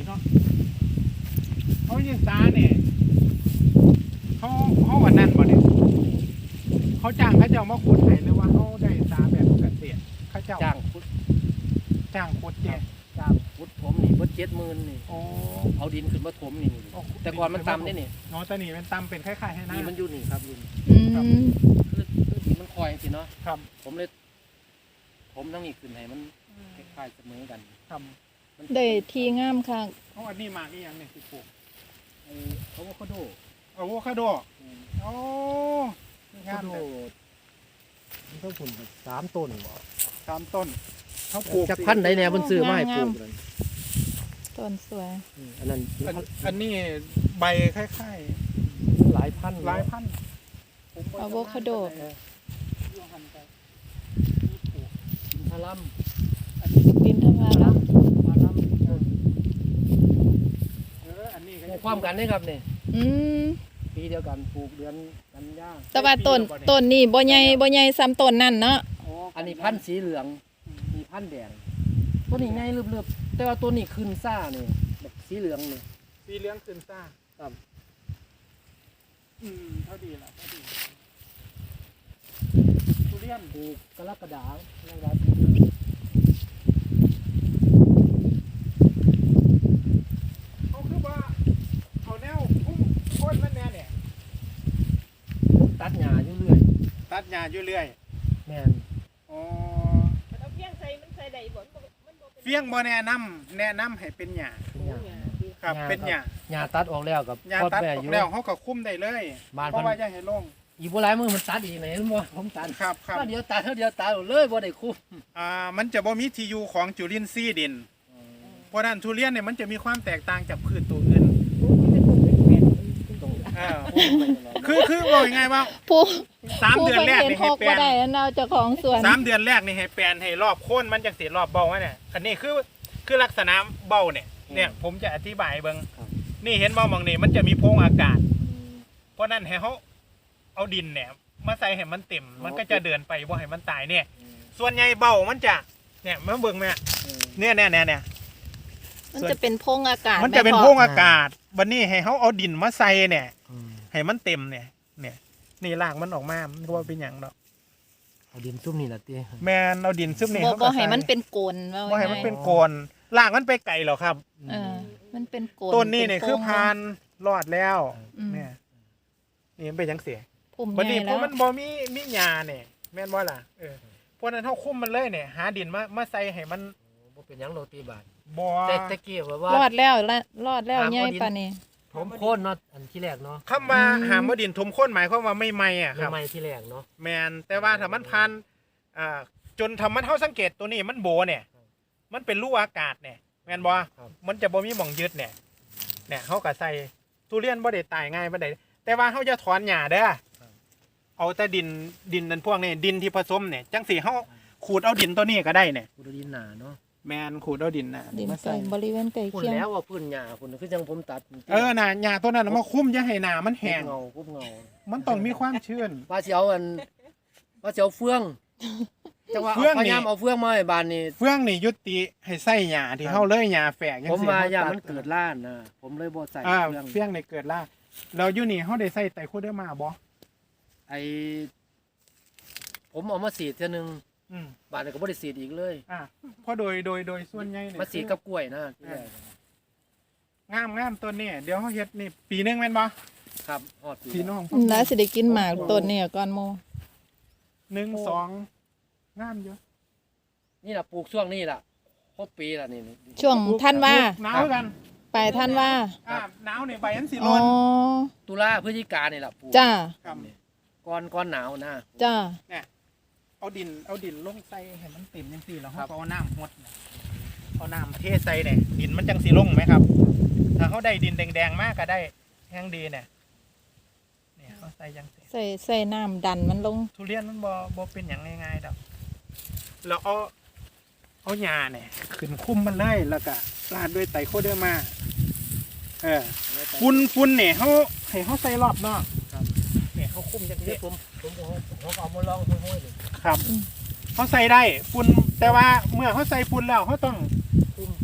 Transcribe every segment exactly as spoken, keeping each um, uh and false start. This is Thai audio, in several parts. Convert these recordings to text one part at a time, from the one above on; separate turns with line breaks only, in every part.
เนาะเขายิงซาเนี่ยเขาเขาวันนั้นบ่เนี่ยเขาจ้างเขาเจ้ามาขุดให้หรือว่าเขาได้ซาแบบเกษตรเขาเจ้า
จ้างขุด
จ้างขุดเนี่ย
จ้างขุดถมนี่เบิดเจ็ดหมื่นนี่
โอ้
เอาดินขึ้นมาถมนี่นี่แต่ก่อนมันต่ำนี่นี่
เนาะแต่นี่เป็นตำเป็นคล้ายๆให้หน้า
นี่มันอยู่นี่ครับอยู่นี่
อืม
คือคือดินมันคอยสิเนาะ
ครับ
ผมเลยผมทั้งนี้ขึ้นให้มันคล้ายๆเสมอกัน
ครับ
มัน
ได้ทีงามค่ะ
เขาอันนี้มากอีหยังเนี่ยสิปลูก
ไอ้เขาว่าเขาโด
อะโวคาโดโอ้
เขาโดมันต้องผลสามต้นบ่
สามต้นเขาปลูก
จากพันธุ์ใดแน่เพิ่นซื้อมาให้ปลูกเลย
ต้นสวย
อืมอันนั้น
อันอันนี้ใบคล้าย
หลายพัน
ๆหลายพันธุ์
อะโวคาโด
อินทรัม
ดินทำลายแล้ว
พารัม
เอออันนี้
ปลูกความกันนี่ครับนี่
อืม
ปีเดียวกันปลูกเดือนกันยา
แต่ว่าต้นต้นนี่บ่ใหญ่บ่ใหญ่ซ้ำต้นนั่นเนาะ
อันนี้พันธุ์สีเหลืองมีพันธุ์แดงตัวนี้ง่ายเรียบๆแต่ว่าตัวนี้ขึ้นซ่านี่แบบสีเหลืองนี่
สีเหลืองขึ้นซ่า
ครับ
อืมเท่าดีละเท่าดีทุเรียน
ปลูกกรกฎาคมนะครับ
เขาคือว่าเอาแนวพุ่มโค่นมันแน่เนี่ย
ตัดหญ้าอยู่เรื่อย
ตัดหญ้าอยู่เรื่อย
แม่น
อ๋อ
เอาเพียงใส่มันใส่ได้บ่มันบ่มันบ่เป็น
เฟี้ยงบ่แนะนำแนะนำให้เป็นหญ้า
เป็นหญ้า
ครับ เป็นหญ้า
หญ้าตัดออกแล้วกับ
หญ้า
พอด
ตัด
แม่
อ
อ
อก
ยู่
แล้วเขาก็คุ้มได้เลย
บ้าน
เพราะว่าอย่าให้ลง
อีกบ่หลายมือมันตัดอีกไหนเห็นบ่ผมตัด
ครับครับ
ก็เดียวตัดเท่าเดียวตัดเลยบ่ได้คุ้ม
อ่ามันจะบ่มีที่อยู่ของจุลินทรีย์ดิน เพราะนั้นทุเรียนเนี่ยมันจะมีความแตกต่างจากพืชตัวอื่น
มันเป็นคนเป็นแผ่น
ตรง
เออคือคือบอกยังไงว่า
ผู้
สาม
ผู้
เดือน
เพิ่น
แรก
เห็น
นี่
พ
ให้
ก
แปล
บ่
น
ได้แล้วเนาเจ้าของสวน
สามเดือนแรกนี่ให้แปลนให้รอบโค่นมันจังสีรอบเบ้าไว้เนี่ยอันนี้คือคือลักษณะเบ้าเนี่ยเนี่ยผมจะอธิบายเบิ่งนี่เห็นบ่มองนี่มันจะมีโพรงอากาศ เพราะนั้นให้เขาเอาดินเนี่ยมาใส่ให้มันเต็ม มันก็จะเดินไปบ่ให้มันตายเนี่ย ส่วนใหญ่เบ้ามันจะเนี่ยมาเบิ่งแม่เนี่ยเนี่ยเนี่ยเนี่ย
มันจะเป็นโพรงอากาศ
มันจะเป็น
แพ่
โพรงอากาศวันนี้ให้เขาเอาดินมาใส่เนี่ย
อืม
ให้มันเต็มเนี่ย เนี่ย นี่รากมันออกมา มันก็ว่าเป็นอย่างดอก
เอาดินซุ่มนี่ล่ะติ
แมนเอาดินซึมนี่
บ่
เขาก็
บ่
ใส่
ให้มันเป็นโกนว่า
บ่ให้มัน
ง่าย
เป็นโกนรากมันไปไกลหรอครับ
เออมันเป็นโกน
ต้นนี้เนี่ย
เป็
คือ
โพรง
พานรอดแล้ว
อืม
เนี่ย นี่มันเป็นจังเสีย
พุ่ม
วัน
ให
นี้
ญ่
เพ
แล้ว
ราะมันบ่มีมีหญ้าเนี่ยแม่นบ่ล่ะเออเพราะนั้นเฮาคุมมันเลยเนี่ย หาดินมามาใส่ให้มัน
บ่เป็นหยังโรตีบาท
บ่
แต่ตะกี้แบบว่าร
อดแล้วละรอดแล้ว
หา
ใหญ่
เอาดิน
ปานนี้
ผมโค่นเนาะอันที่แรกเนาะ
คำว่าหามว่าดินถมข้นหมายความว่าไม่ไหม้อ่ะครับ
ใหม่ๆที่แรกเนาะ
แมนแต่ว่าถ้ามันพันอ่าจนทำมันเท่าสังเกตตัวนี้มันโบเนี่ย มันเป็นรูอากาศเนี่ยแมนบอมันจะบ่มีหม่องยึดเนี่ย เนี่ยเขาก็ใส่ทุเรียนบ่ได้ตายง่ายบ่ได้แต่ว่าเขาจะถอนหญ้าเด้อเอาแต่ดินดินนั่นพวกนี้ดินที่ผสมเนี่ยจังสีเขาขูดเอาดินตัวนี้ก็ได้เนี่ย
กูดินหนาเนาะ
แมนขูดเอาดินนะ
ดิน
มา
ใส่
ใส่
บริเวณใกล้
พุ่น
เคียง
แล้วว่าพื้นหญ้าพุ่นคือจังผมตัด
เออน่ะหญ้าตัวนั้นนะมาคุ้มอย่าให้หนามันแห้ง
เงาคุบเงา
มันต้องมีความชื้น
ว่าสิเอาอันว่าสิเอาเฟืองจังว่า
เฟือง
เอาพ
นี่
ยายามเอาเฟืองมาให้บ้านนี่
เฟื่องนี่ยุติให้ใส่หญ้าที่เขาเลยหญ้าแฝกจัง
ผม
ซี่
ว่า
เข
อย่า
ตัด
มันเกิดล้านนะผมเลยบ่ใส่
อ่า
เฟือง
เฟี้ยงในเกิดล่าเราอยู่นี่เขาได้ใส่ไตรโคเดอร์มาบ่
ไอผมเอามาสีดเทื่อนึง
อืม
บ้านนี่ก็บ่ได้สีดอีกเลย
อ่าเพราะโดยโดยโดยส่วนใหญ่เนี่ย
มาสีดกับกล้วยนะที่แรก
งามงามต้นนี่เดี๋ยวเขาเฮ็ดนี่ปีหนึงแม่นบ่
ครับฮอดปี
พี่น้อง
อืมแล้วสิได้กินหมากต้นเนี่ยก่อนโม
หนึ่งสองงามเยอะ
นี่ล่ะปลูกช่วงนี้ล่ะครบปีล่ะนี่นี่
ช่วงท่านว่า
หนาวกัน
ไปท่านว่า
อ่าหนาวนี่ใบอันสิ
อ๋
ร้
อ
อน
ตุลาพฤศจิกานี่ล่ะปลูก
จ้า
ครับ
ก่อนก่อนหนาวนะ
จ้า
เอาดินเอาดินลงใส่ให้มันเต็มจังซี่แล้วเขาก็เอาน้ำหดเนี่ยเอาน้ำเทใส่เนี่ยดินมันจังสิลงไหมครับ ถ้าเขาได้ดินแดงๆมากก็ได้แห้งดีเนี่ยเนี่ยเขาใส่จังสิ
ใส่ใส่น้ำดันมันลง
ทุเรียนมันบ่บ่เป็นอย่างง่ายๆดอกเราเอาเอาหญ้าเนี่ยขึ้นคุ้มมันเลยแล้วก็ราดด้วยไตรโคเดอร์มาเออฝุ่นฝุ่นเนี่ยเขาให้เขาใส่รอบนอกเนี่ยเขาคุ้มจัง
นี่
ซี่
ผมผมผมผมเอามาลองห้อยๆนี่
ครับเขาใส่ได้ฝุ่นแต่ว่าเมื่อเขาใส่ฝุ่นแล้วเขาต้อง
คุม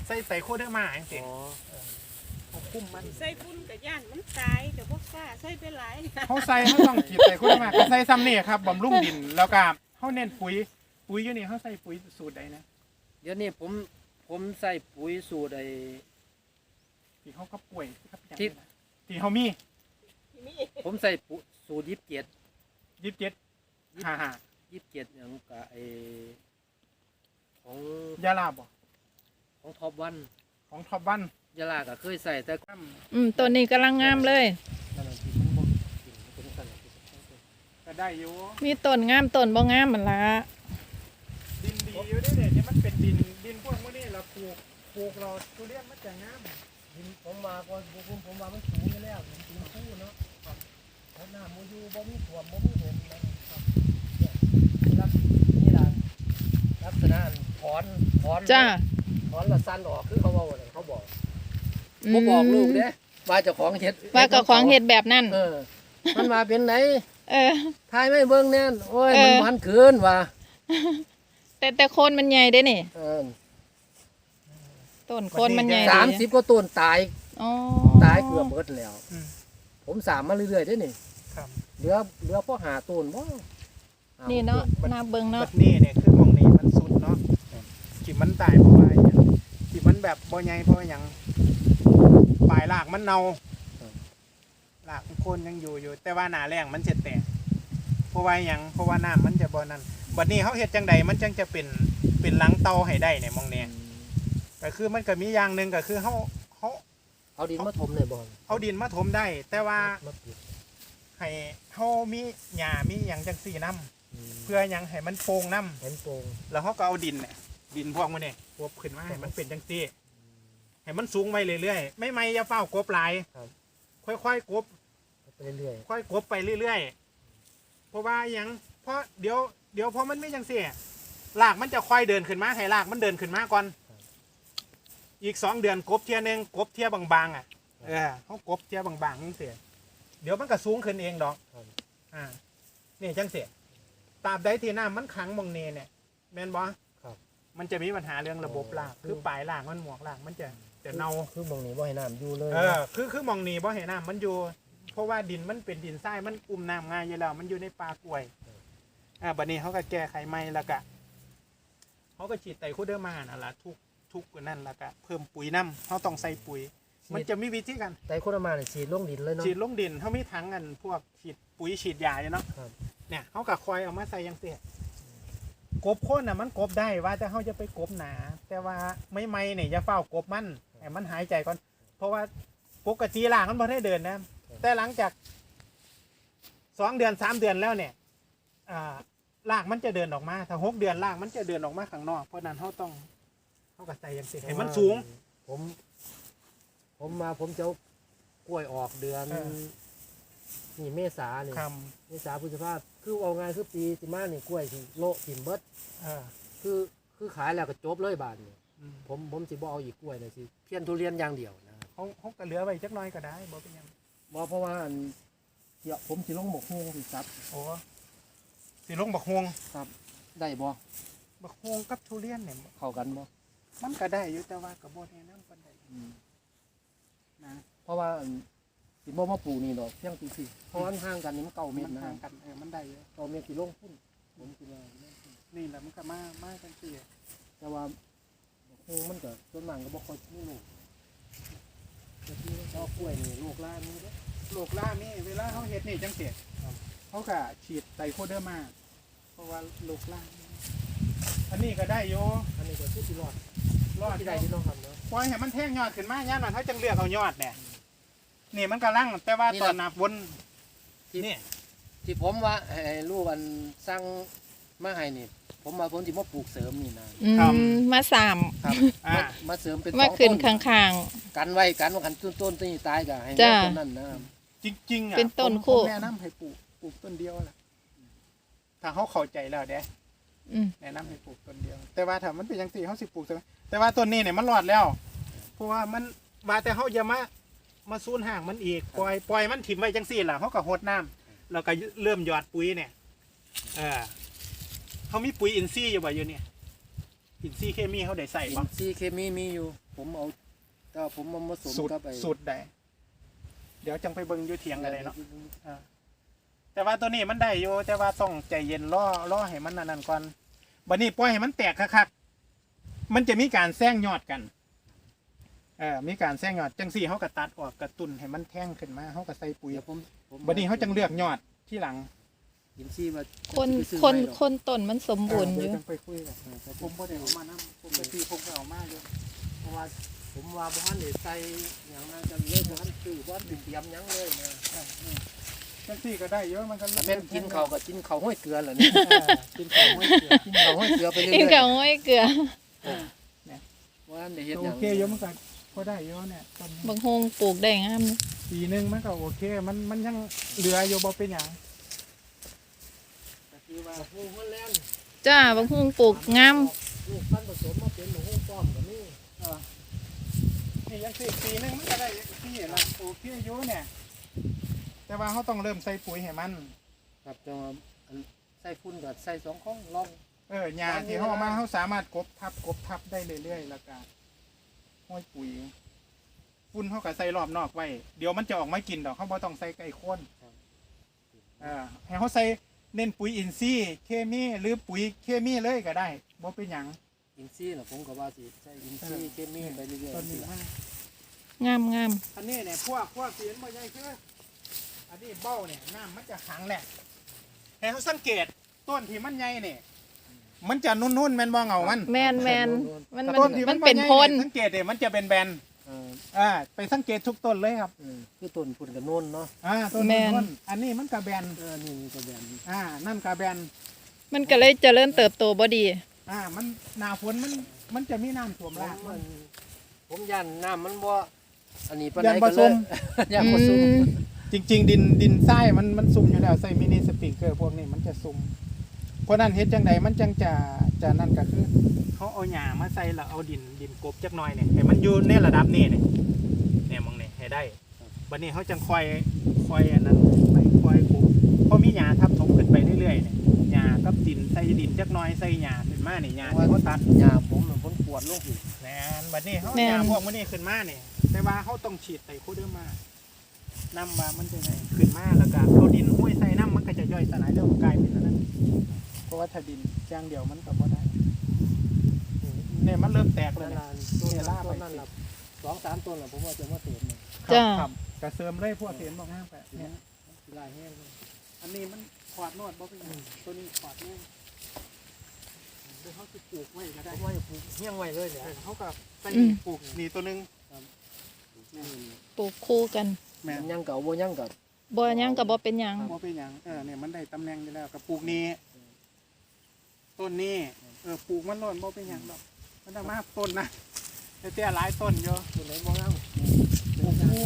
ใส่ไตรโคเดอร์มาจังซี่
อ๋อ
เขาคุมมัน
ใส่ฝุ่นกับย่านมันตายเดี๋ยวพวกกล้าใส่ไปหลาย
เขาใส่เขาต้องฉีดไตรโคเดอร์มาก็ใส่ซ้ำนี่ครับบำรุงดินแล้วก็เขาเน้นปุ๋ยปุ๋ยอยู่นี่เขาใส่ปุ๋ยสูตรใดนะ
เดี๋ยวนี้ผมผมใส่ปุ๋ยสูตรไอ้
ที่เขาก็ป่วยครับ
ที่
ที่เขามี
ที่นี่
ผมใส่ปุ๋ยสูตรยี่สิบเจ็ด
ยี่สิบเจ็ดฮ่าฮ่า
ยี่สิบเจ็ดอย่างกับไอ้ของ
ยาลาบ่
ของท็อปวัน
ของท็อปวัน
ยาลาก็เคยใส่แต่
อืมต้นนี้กำลังงามเลย
นั่นแหละที่มันบ่กินมันเป็นสั่นที่สุด
ก็ได้อยู่
มีต้นงามต้นบ่งามมันละ
ดินดีอยู่เด้เนี่ยที่มันเป็นดินดินพวกมื้อนี้เราปลูกปลูกเราทุเรียนมันจะงาม
ดินผมมาก่อนผมผมว่ามันสูงอยู่แล้วดินตีนคู่เนาะครับแล้วน้ำมันอยู่บ่มีท่วมบ่มีเห็นนะครับเนี่ยลักนี่ล่ะลักษณะถอนถอน
จ้า
ถอนแล้วสั้นออกคือเขาเว้าน่ะเขาบอก
อื
ผม
ม
บอกลูกเด้ว่าเจ้าของเฮ็ด
ว่ากับของเห็ดแบบนั้น
เออ มันมาเป็นไหน
เออ
ทายไม่เบิ่งแน่นโอ้ย
เออ
มันมันคืนว่ะ
แต่แต่โคนมันใหญ่เด้นี่
เออ
ต้นโคนมันใหญ่
สามสิบกว่าต้นตาย
อ๋อ
ตายเกือบหมดแล้ว
อืม
ผมสามมาเรื่อยๆเด้นี่
ครับ
เหลือเหลือพอหาต้นบ่ห
นี่เนาะ
ต้
นาเบิง
แบ
เนาะ
บนี้เนี่ยคือหมองนี้มันสุดเนาะที่มันตายเพราะว่าอหย่างที่มันแบบบ่ใหญ่เพราะว่าหยังปลายรากมันเน่ารากมันโคนยังอยู่อยู่ แต่ว่าหน้าแรงมันจะแตกเพราะว่าหยังเพราะว่าน้ำมันจะบ่นั่นบัดนี้เขาเฮ็ดจังใดมันจังจะเป็นเป็นหลังเตาให้ได้เนี่ยหมองนี้ก็คือมันก็มีอย่างหนึงก็คือเขาเขา
เอาดินมาถมเลยบ่
เอาดินมาถมได้ แต่ว่า
มาปิด
ให้เขามีหญ้ามีหยังจังซี่น้
อืม
ำเพื่อหยังให้มันโป่งน้ำ
เห็นโป่ง
แล้วเขาก็เอาดินเนี่ยดินพวกมันเนี่ยกบขึ้นมาให้มันเป็นจังซี่ให้มันสูงไปเรื่อยๆไม่ไม่อย่าเฝ้ากบหลายค่อยๆกบ
ไปเรื่อย
ค่อยกบไปเรื่อยๆเพราะว่าหยังเพราะเดี๋ยวเดี๋ยวพอมันไม่จังซี่รากมันจะค่อยเดินขึ้นมาให้รากมันเดินขึ้นมาก่อน อีกสองเดือนกบเทียหนึงกบเทียบางๆอ่ะเออเขากบเทียบางๆจังซี่เดี๋ยวมันก็สูงขึ้นเองดอกอ่านี่จังซี่ตราบใดที่น้ำมันขังหมองเนเนี่ยแม่นบ่
ครับ
มันจะมีปัญหาเรื่องระบบรากคือปลายรากมันหมวกรากมันจะจะเน่า
คือหมองนี้บ่ให้น้ำอยู่เลย
เออคือคือหมองนี้บ่เห็นน้ำมันอยู่ เพราะว่าดินมันเป็นดินทรายมันอุ้มน้ำง่ายอยู่แล้วมันอยู่ในป่ากล้วยอ่าบัดนี้เขาก็แก้ไขใหม่แล้วก็เขาก็ฉีดไตรโคเดอร์มานั่นล่ะทุกทุกนั่นแล้วก็เพิ่มปุ๋ยน้ำเขาต้องใส่ปุ๋ย มันจะมีวิธีกัน
แต่คนเอามาเนี่ยฉีดลงดินเลยเนาะ
ฉีดลงดินเขามีถังกันพวกฉีดปุ๋ยฉีดยาอยู่เนาะ
ครับ
เนี่ยเขาก็คอยเอามาใส่อยังเสียกบโค่นน่ะมันกบได้ว่าแต่เขาจะไปกบหนา แต่ว่าไม่ไม่เนี่ยอย่าเฝ้ากบมันให้มันหายใจก่อน เพราะว่าปกติล่างมันพอได้เดินนะ แต่หลังจากสองเดือนสามเดือนแล้วเนี่ยอ่าลากมันจะเดินออกมาถ้าหกเดือนลากมันจะเดินออกมาข้างนอกเพราะนั้นเขาต้องเขาก็ใส่อยังเสียให้มันสูง
ผม ผมมาผมจะเอากล้วยออกเดือน
เออ
นี่เมษาเนี่ย
ค
เมษาพฤษภาคือเอาไงายคือปีสิมาเนี่ยกล้วยสิโละถิ่มเบิด
ำเออ
คือคือขายแล้วก็จบเลยบาทเนี่ย
อืม
ผมผมสิบ่เอาอีกกล้วยเลยสิเพี้ยนทุเรียนอย่างเดียวนะครับ
เขาเขาก็เหลือไว้จักหน้อยก็ได้บ่เป็นหยัง
บ่เพราะว่าอันเดี๋ยวผมสิลงหมกฮวงสิครับ
โอ้สิลงบักฮวง
ได้บ่
บักฮวงกับทุเรียนเนี่ย
เข้ากันบ่
มันก็ได้อยู่แต่ว่ากับโบแนะนำปานใดนะ
เพราะว่าอันสิบ่มาปลูกนี่ดอกเพียงปีสิเพราะว่ามันห่างกันนี่มันเก้าเม
มั
ต
น
รนะ
ห่างกันเออมันได้อยู่
เก้าเมตรสิลงพุ่นผมสิว่า
นี่แหละมันก็มามาจังซี่
แต่ว่าคงมันก็ส่วนมากก็บ่ค่อยมีลูกแต่ที่ว่าเอากล้วยนี่ลูกล่างนี่เด้อ
โลกล่านี่เวลาเขาเฮ็ดนี่จังซี่เขาก็ฉีดไตรโคเดอร์มาเพราะว่าโลกล่านี่อันนี้ก็ได้อยู่
อันนี้ก็คือสิรอด
รอด
ที่
ได้
ใดที่น้องทำเนาะ
ปล่อยให้มันแท่งยอดขึ้นมาย่านมันเขาจังเลือกเอายอดเนี่ยนี่มันกำลังแต่ว่าตอนนับบนนี่
ที่ผมว่าให้ลูกอันสร้างมาให้นี่ ผมมาผมสิมาปลูกเสริมนี่นะ
อืมมาสาม
ครับอ่า
มามาเสริมเป็นส
มา
อง
ขึ้น
ต้น
ข้าง
กันไว้กันว่ากันต้นต้นต้นนี้ตายก็ให้
จ้า
ต้นนั้นนะครับ
จริงๆอ่ะ
เป็นต้น
ผม
คู่
ผมแนะนำให้ปลูกปลูกต้นเดียวแหละถ้าเขาเข้าใจแล้วเด้
ๆอืม
แนะนำให้ปลูกต้นเดียว แต่ว่าถ้ามันเป็นอย่างสี่เขาสิปลูกใช่ไหมแต่ว่าต้นนี้เนี่ยมันรอดแล้ว เพราะว่ามันว่าแต่เขาอย่ามามาซูนห่างมันอีกปล่อยปล่อยมันถิ่มไว้จังสี่แหละเขาก็หดน้ำแล้วก็เริ่มหยอดปุ๋ยเนี่ยเออเขามีปุ๋ยอินทรีย์อยู่บ่อยู่เนี่ยอินทรีย์เคมีเขาได้ใส่
อิ
บ้าง
นทรีย์เคมีมีอยู่ผมเอาถ้าผมมาผสม
สูตร
กับไอ้
สูตรใดเดี๋ยวจังไปเบิ่งอยู่เถียงกันเลยเนาะอ่าแต่ว่าตัวนี้มันได้อยู่แต่ว่าต้องใจเย็นรอรอให้มันนั่นๆก่อนบัดนี้ปล่อยให้มันแตกคักๆมันจะมีการแซงยอดกันเออมีการแซงยอดจังสี่เขาก็ตัดออกกระตุ้นให้มันแท่งขึ้นมาเขาก็ใส่ปุ๋ย
เดี๋ยวผมผม
บัดนี้เขาจังเลือกยอดที่หลัง
อินซี่ว่า
คน
ไปซื้อ
คน
ไว้หรอก
คนต้นมันสมบูรณ์อ
เดี๋
ยู่
วจังไปคุยกันผมบ่ได้เอามานํผมไปซื้อผมก็เอามาอยู่
เพราะว่าผมว่าบ้านนี่ใส่อย่างนั้นจะเลยบ้านซื้อบ้านเตรียมหยังเลยนะ
จังสี่ก็ได้เยอะมันก็
แต่แม่นกินข้าวก็กินข้าวห้อยเกลือแหละนี่
เออกินข้าวห้อยเกลือ
กินข้าวห้อยเกลือไปเรื่
กิน
อย
กับห้อยเกลือ
ๆว่าได้เฮ็ดห
โอ
ยัง
เคเยอะมันก็พอได้เยอะเนี่ยต้น
บางฮงปลูกได้งามเลย
ปีหนึงมันก็โอเค มันมันยังเหลืออยู่บ่เป็นหยัง
ก็คือว่าฮู้ฮอลแลนด์
จ้าบางฮงปลูกงาม
ลูกพันธุ์ผสมมาเป็นหมูฮู้ป้อมก็มี
เออนี่ยังสิปีหนึงมันก็ได้ที่ละโอเคอยู่เนี่ย แต่ว่าเขาต้องเริ่มใส่ปุ๋ยให้มัน
ครับจะมาอันใส่ฝุ่นก็ใส่สองข้องลอง
เออหญ้าที่เขาเอามาเขาสามารถกบทับกบทับได้เรื่อยๆแล้วก็ห้อยปุ๋ยฝุ่นเขาก็ใส่รอบนอกไว้ เดี๋ยวมันจะออกมากินดอกเขาบ่ต้องใส่ไก่ข้นเออให้เขาใส่เน้นปุ๋ยอินทรีย์เคมีหรือปุ๋ยเคมีเลยก็ได้บ่เป็นหยัง
อินซี่น่ะผมก็ว่าสิใส่อินซี่เคมีไปเรื่อย
ต้นนี้
ๆ
มาก
งามงาม
อันนี้เนี่ยพวกพวกเสียนบ่ใหญ่คืออันนี้เบ้าเนี่ยน้ำมันจะขังแหละให้เขาสังเกตต้นที่มันใหญ่เนี่ยมันจะนุ่นๆแม่นบ่เงามัน
แมนแมนมัน
แต่
มัน
ต้นที่
มัน
บ่
เป็น
ใหญ่
พล
สังเกตเนี่ยมันจะเป็นแบน
เออ
อ่าไปสังเกตทุกต้นเลยครับ
เออคือต้นฝุ่นกับโน่นเนาะ
อ่าต้นนุ่นๆอันนี้มันกระแบน
เออนี่มันก็แบบนี้
อ่านั่นกระแบน
มันก็เลยเจริญเติบโตบ่ดี
อ่ามันหนาฝนมันมันจะมีน้ำท่วม
ผม
รากมั
มัน นผมยันน้ำมันบ่อันนี้ปาน
ยั
ใด
น
ก็
ผ
เล
ส
ย
ม
ยันผสม
อืม
จริง ๆ ดินดินทรายมันมันซุ่มอยู่แล้วใส่มินิสปริงเกอร์พวกนี้มันจะซุ่มเพราะนั้นเฮ็ดจังใดมันจังจะจะนั่นก็คือเขาเอาหญ้ามาใส่แล้วเอาดินดินกบจักหน่อยเนี่ยให้มันอยู่ในระดับนี้เนี่ยเนี่ยมองนี่ให้ได้บัดนี้เขาจังคอยคอยอันนั้นไปคอยกบเพราะมีหญ้าทับถมขึ้นไปเรื่อยๆเนี่ยหญ้ากับดินใส่ดินจักหน่อยใส่หญ้าขึ้นมาเนี่ยหญ้าที่เขาตัด
ยาผมน่ะผมปวดลงอีก
แม่นบัดนี้เขา
แม่น
หญ้าพวกมันนี่ขึ้นมาเนี่ยแต่ว่าเขาต้องฉีดไตโคเดอร์มานำว่ามันจะไงขึ้นมาแล้วก็เอาดินห้วยใส่น้ำมันก็จะย่อยสลายแล้วกลายเป็นอันนั้นเพราะว่าถ้าดินจ้างเดียวมันก็บ่ได้เนี่ยมันเริ่มแตกเลย
นาน
เนี่ย
ๆต้นนั้นต้นนั้นล่ะสองสามต้นล่ะผมว่าจะมาเติมเนี่ย
จ้า
ครับกระเสริมเลยพวกเห็นบอกง่ายไปเนี่ย
สิลายแห้งเลย
อันนี้มันขอดโนดบ่เป็นหยังตัวนี้ขอดเนี่ยเดี๋ยวเขาจะปลูกไว้ก็ได้
ผมว่าจะปลูกเฮี้ยงไว้เลยเนี่ย
เออเขากับใส่
อืม
ปลูกนี่ตัวหนึง
ปลูกคู่กัน
แม่น
มันยังเก่าบ่ยังเก่า
บ่หยังก็บ่เป็นหยัง
บ่เป็นหยังเออเนี่ยมันได้ตำแหน่งอยู่แล้วกับปลูกนี้ต้นนี้เออปลูกมันโน่นบ่เป็นหยังดอกมันต้องมาต้นนะแต่เตี้ยหลายต้นเยอะ
ตัวไหนบ่ยัง
ปลูกคู่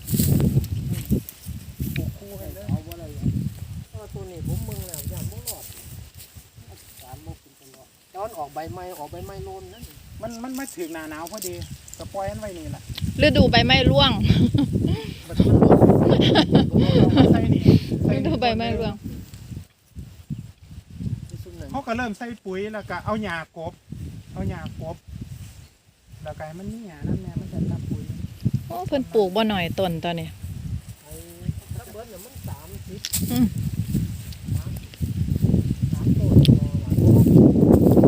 ปลูกคู่ให้เลย
เอาบ่ได้เพราะว่าตัวนี้ผมมึงแล้วยังบ่รอดสารบ่เป็นตลอดตอนออกใบไม้ออกใบไม้โลนนั่น
มันมันมาถึงหน้าหนาวพอดีก็ปล่อยมันไว้นี่แหละ
ฤดูใบไม้ร่วง
บัดนี้มันโดนเอามาใส่นี่ใส่
ฤ
นี่
ดูใบไม้ร่วง
ที่สุดนั่น
เขาก็เริ่มใส่ปุ๋ยแล้วก็เอาหญ้ากบ เอาหญ้ากบแล้วก็ให้มันมีหญ้านั่นแหละมันจะรับปุ๋ย
โอ้เพิ่นปลูกบ่หน่อยต้นตอนนี้
ไอ้ถ้าเบิดเนี่ยมันสามสิบ
อืม
สามต้นต่อหลัง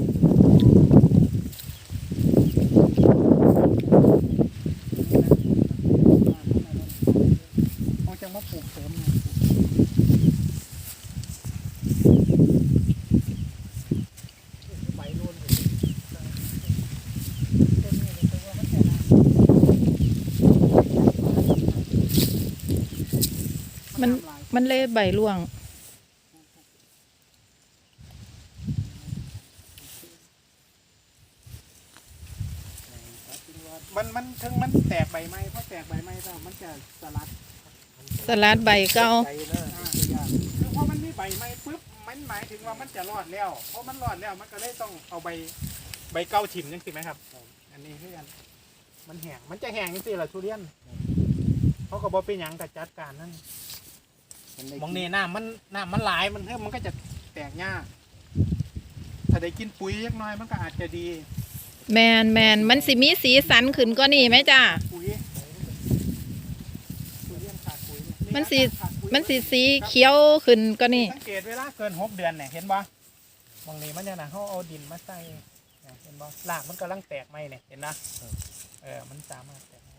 เขาจะมาปลูกเสริมไง
ใบโลน
มันมันเลยใบร่วง
มันมันถึงมันแตกใบไม้เพราะแตกใบไม้แล้วมันจะสลัด
สลัดใบเก่า
ใจนะ
อ่าคือพอมันมีใบไม้ปุ๊บมันหมายถึงว่ามันจะรอดแล้วเพราะมันรอดแล้วมันก็เลยต้องเอาใบใบเก่าถิ่มจังสิไหมครับ อันนี้คือกันมันแห้งมันจะแห้งจังสิล่ะทุเรียนเขาก็บอกเป็นหยังกับจัดการนั่นมองนี่น้ำมันน้ำมันหลายมันเพิ่มมันก็จะแตกยากถ้าได้กินปุ๋ยเล็กน้อยมันก็อาจจะดี
แมนแมนมันสิมีสีสันขึ้นก็นี่ไหมจ้า
ปุ๋ยปุ๋ยยังขาดปุ๋ยเย
มันสิ
ขาดปุ๋ย
มันสีสีเขียวขึ้นก็นี่
สังเกตเวลาเกินหกเดือนเนี่ยเห็นบ่บางนี้มันเนี่ยนะเขาเอาดินมาใส่เนี่ยเห็นบ่รากมันกำลังแตกไหมเนี่ยเห็นนะเออมันสามารถแตกไหม